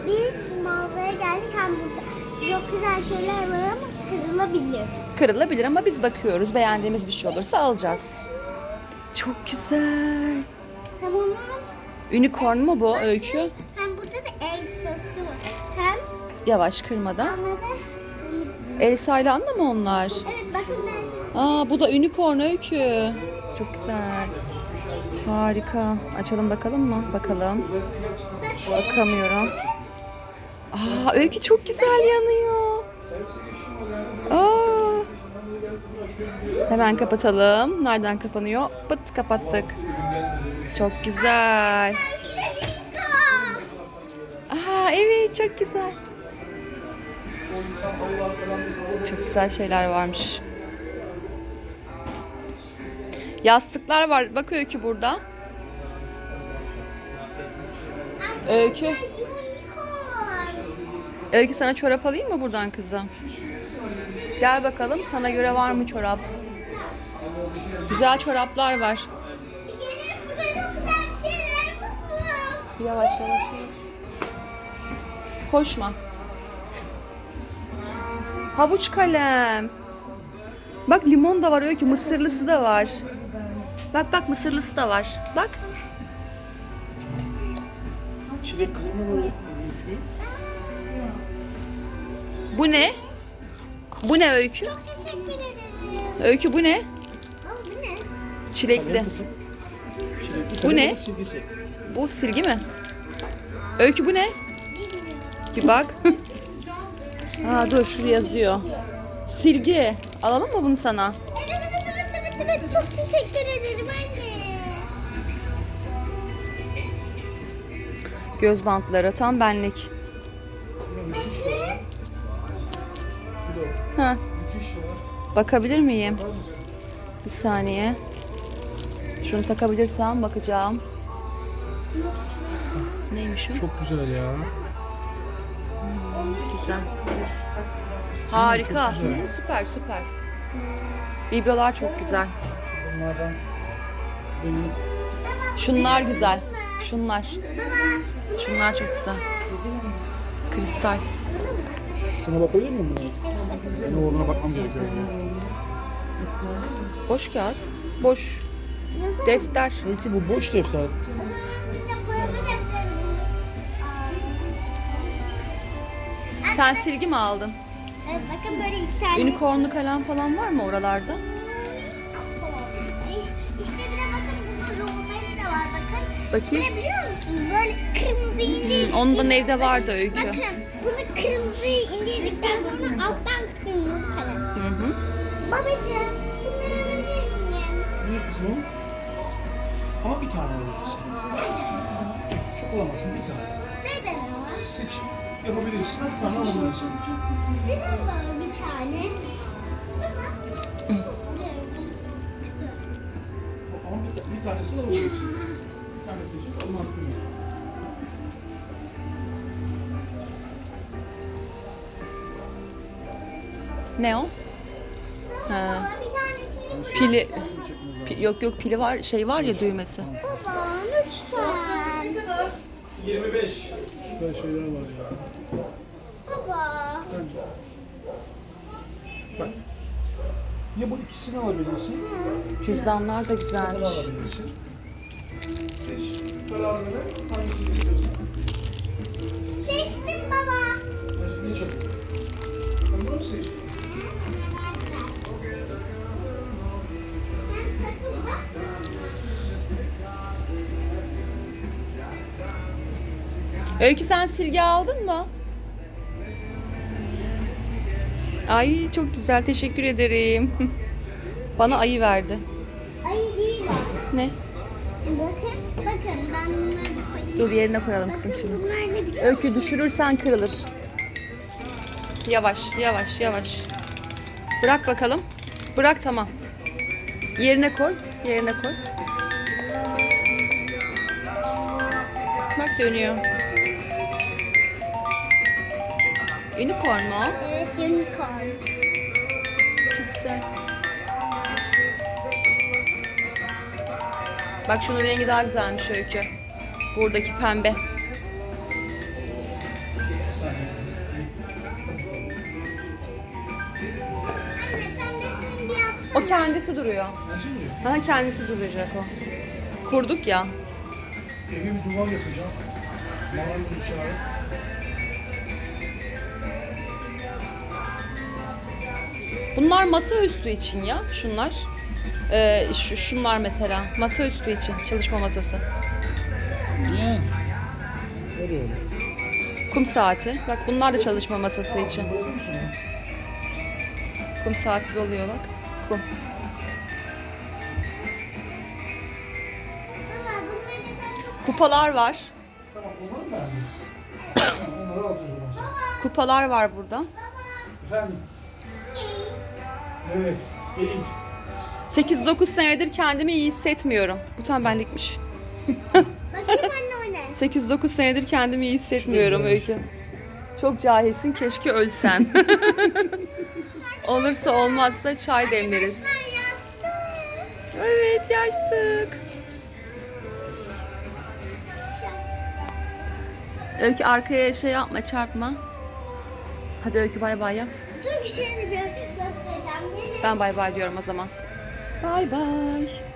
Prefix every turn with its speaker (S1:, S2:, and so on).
S1: Biz mağazaya geldik. Hem burada çok güzel şeyler var ama kırılabilir.
S2: Kırılabilir ama biz bakıyoruz. Beğendiğimiz bir şey olursa alacağız. Çok güzel.
S1: Hem onun
S2: Unicorn mu bu Öykü?
S1: hem burada da Elsa'sı var. Hem
S2: Yavaş kırmadan.
S1: Anna da
S2: Elsa ile Anna mı onlar?
S1: evet bakın ben
S2: Aa, bu da unicorn Öykü. Çok güzel. Harika. Açalım bakalım mı? Bakalım. Bakamıyorum. Aa, Öykü çok güzel yanıyor. Aa. Hemen kapatalım. Nereden kapanıyor? Pıt, kapattık. Çok güzel. Aa, evet, çok güzel. Çok güzel şeyler varmış. Yastıklar var. Bak Öykü burada. Öykü.
S1: unicorn.
S2: Öykü, sana çorap alayım mı buradan kızım? Gel bakalım, sana göre var mı çorap? Güzel çoraplar var.
S1: Gelin burada çok güzel bir şeyler buldum.
S2: Yavaş yavaş yavaş. Koşma. Havuç kalem. Bak, limon da var Öykü, mısırlısı da var. Bak bak, mısırlısı da var. Bak.
S3: Çilek kalemi var.
S2: Bu ne? Bu ne Öykü?
S1: Çok teşekkür ederim.
S2: Öykü, bu ne?
S1: Ama bu ne?
S2: Çilekli.
S3: Çilekli
S2: Bu
S3: kalem
S2: ne?
S3: ve silgisi.
S2: Bu silgi mi? Öykü, bu ne?
S1: Bilmiyorum.
S2: Bir bak. Aa, dur, şuraya yazıyor. Silgi. Alalım mı bunu sana?
S1: Evet. Çok teşekkür ederim anne.
S2: Göz bantları tam benlik. Ha. Bakabilir miyim? Bir saniye. Şunu takabilirsem bakacağım. Neymiş o?
S3: Çok güzel ya.
S2: Güzel. Harika. Süper süper. Biblolar çok güzel.
S3: Bunlardan benim
S2: Şunlar güzel. Şunlar. Şunlar çok güzel. Kristal.
S3: şuna bakabilir miyim buna? Ne olduğuna bakmam gerekiyor.
S2: Boş kağıt. Boş
S1: Yazar
S2: defter.
S3: Çünkü bu boş defter.
S2: Sen silgi mi aldın?
S1: Evet bakın böyle iki tane.
S2: Unicornlu kalem falan var mı oralarda?
S1: İşte bir de bakın burada romeli de var bakın.
S2: Bakayım.
S1: Ne biliyor musunuz? Böyle kırmızı indir.
S2: Ondan evde vardı Öykü.
S1: Bakın bunu kırmızıyı indirdikten sonra alttan kırmızı kalem.
S2: Hı hı.
S1: Babacığım bunları alabilir miyim?
S3: Niye kızım o? Ama bir tane alabilirsin. Çok olamazsın, bir tane.
S1: Neden o?
S3: Seç yapabilirsin, bir tane alabilirsin.
S1: Neden bana bir tane?
S3: Ama bir tanesini alabilirsin. Bir tane seçip alma hakkın yok.
S2: Ne o? Ha.
S1: Baba bir tanesini
S2: Pili. Yok yok, pili var, şey var ya, düğmesi.
S1: baba lütfen.
S4: 25.
S3: Süper şeyler var ya.
S1: Baba.
S3: Bak. Ya bu ikisini alabilirsin,
S2: Cüzdanlar da
S3: bunu
S2: güzelmiş.
S3: alabilirsin. Seç. Kararını ver. Hangisini istiyorsan.
S1: Seçtim baba.
S3: Ne çabuk. Ben bunu seçtim.
S2: Öykü, sen silgi aldın mı? Ay, çok güzel, teşekkür ederim. Bana ayı verdi.
S1: Ayı değil o.
S2: Ne?
S1: Bakın ben bunları koyayım.
S2: Dur, yerine koyalım kızım şunu.
S1: Bunlar ne biliyor
S2: Öykü, düşürürsen kırılır. Yavaş yavaş yavaş. Bırak bakalım. Bırak, tamam. Yerine koy. Yerine koy. Bak, dönüyor. Unicorn mu o?
S1: Evet unicorn.
S2: Çok güzel. Bak, şunun rengi daha güzelmiş Öykü. Buradaki pembe. O kendisi duruyor.
S3: Nasıl duruyor?
S2: Ha, kendisi duracak o. Kurduk ya.
S3: Eve bir duvar yapacağım. Marangozu çağırıp.
S2: Bunlar masaüstü için ya. Şunlar. Şunlar mesela. Masaüstü için. Çalışma masası.
S3: Yani. Öyle olur.
S2: Kum saati. Bak bunlar da çalışma masası için.
S3: Bakıyor musun?
S2: Kum saati doluyor bak. Kum.
S1: Baba bunları da çok...
S2: Kupalar var.
S3: Tamam onları mı beğendin? Tamam, onları alacağız o zaman.
S2: Kupalar var burada.
S3: Efendim? Evet. Değil.
S2: 8-9 senedir kendimi iyi hissetmiyorum. Bu tam benlikmiş.
S1: Bakayım anne o ne?
S2: 8-9 senedir kendimi iyi hissetmiyorum Öykü. Çok cahilsin, keşke ölsen. Olursa olmazsa çay demleriz.
S1: Ben yastık.
S2: Evet, yastık. Öykü arkaya şey yapma, çarpma. Hadi Öykü bay bay yap.
S1: Dur bir şey göstereceğim. Nereye?
S2: Ben bay bay diyorum o zaman. Bay bay.